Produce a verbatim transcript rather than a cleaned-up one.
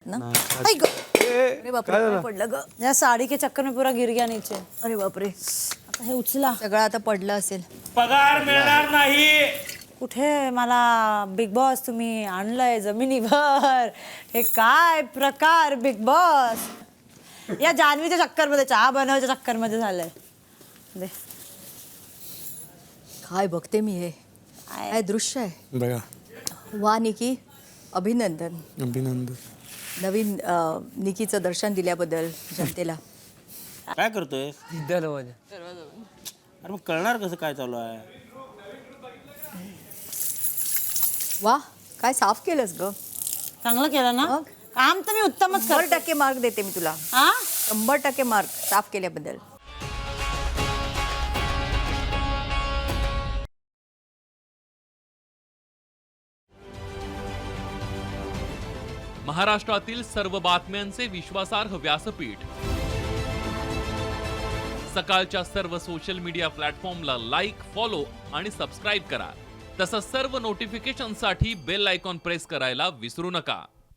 ना? आई ग, अरे बापरे, काय पडलं ग? या साड़ी के चक्कर में पूरा गिर गया नीचे. अरे बापरे, आता हे उचला. सगळं आता पडलं असेल. पगार मिळणार नाही. कुठे मला बिग बॉस तुम्ही आणलंय जमिनीवर. हे काय प्रकार बिग बॉस. या जान्हवीच्या चक्कर मध्ये, चहा बनवायच्या चक्कर मध्ये झालंय. दे. काय बघते मी हे, काय? काय दृश्य आहे. बघा, वा निकी, अभिनंदन. अभिनंदन. नवीन अ, निकीचं दर्शन दिल्याबद्दल जनतेला. काय करतोय? अरे मग कळणार कसं काय चालू आहे? वा, काय साफ केलंस ग. चांगलं केलं ना. मग? काम तर मी उत्तमच शंभर करते. टक्के मार्क देते मी तुला. हा शंभर टक्के मार्क साफ केल्याबद्दल. महाराष्ट्रातील सर्व बातम्यांचे विश्वासार्ह व्यासपीठ. सकाळच्या सर्व सोशल मीडिया प्लॅटफॉर्मला लाईक, फॉलो आणि सबस्क्राईब करा. तसंच सर्व नोटिफिकेशनसाठी बेल आयकॉन प्रेस करायला विसरू नका.